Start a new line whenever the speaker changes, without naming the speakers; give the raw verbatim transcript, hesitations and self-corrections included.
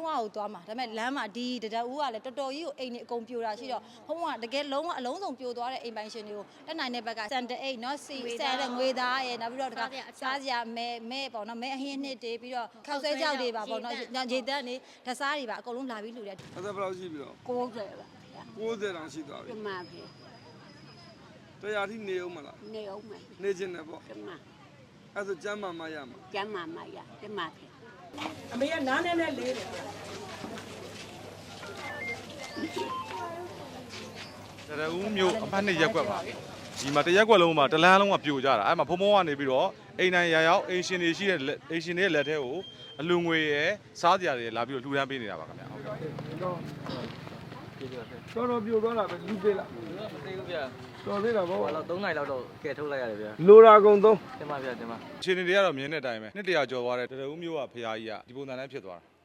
ဝါကိုသွားမှာဒါပေမဲ့လမ်းမှာဒီတရဦးကလည်းတော်တော်ကြီးကိုအိမ်နေအကုန်ပြိုတာရှိတော့ဖုံးကတကယ်လုံးဝအလုံးစုံပြိုသွားတဲ့အိမ်ပိုင်ရှင်တွေကိုတက်နိုင်တဲ့ဘက်ကစန်တအိတ်နော်စီဆန်တဲ့ငွေသားရယ်နောက်ပြီးတော့တကစားစရာမဲမဲပေါ့နော်မဲအဟင်းနှစ်တေးပြီးတော့ခောက်ဆွဲကြောက်တွေပါပေါ့နော်ရေတက်နေဓစားတွေပါအကုန်လုံးလာပြီးလှူတယ်အဲ့
ဒါဘယ်လောက်ရှိပြီတော့
ကိုးဆယ်ပါ
ကိုးဆယ်တောင်ရှိသွားပြီ
ဒီမှာပြီ
တရားထိနေအောင်မလား
နေအောင်မယ်
နေခြင်းနဲ့ပေါ့
ဒီမှာ
အဲ့ဆိုကျမ်းမာမရမှာ
ကျမ်းမာမရဒီမှာပြီ
အမေကနားနဲ့နဲ့လေးတယ်
တရဦးမျိုးအဖက်နှစ်ရက်ကွက်ပါဒီမှာတရက်ကွက်လုံးမှာတလန်းလုံးကပြိုကြတာအဲ့မှာဖုံဖုံကနေပြီးတော့အိမ်တိုင်းရရောက်အိမ်ရှင်တွေရှိတဲ့အိမ်ရှင်တွေရဲ့လက်ထဲကိုအလူငွေရယ်စားစရာတွေလာပြီးတော့လှူဒန်းပေးနေတာပါခင်ဗျာဟုတ်ကဲ့
တော်တော်ပြိုသွားတာပဲလူသေးလား
မသိဘူးဗျာ
တော်သေးတာဗော
ဟိုတော့သုံးနိုင်လောက်တော့ကဲထုတ်လိုက်ရတယ်ဗျာ
လိုတာကုန်သုံး
တင်ပါဗျာတင်ပါ
အချိန်တွေကတော့မြင်တဲ့အတိုင်းပဲနှစ်တရာကျော်သွားတဲ့တရဦးမျိုးကဖရာကြီးကဒီပုံစံနဲ့ဖြစ်သွားတာ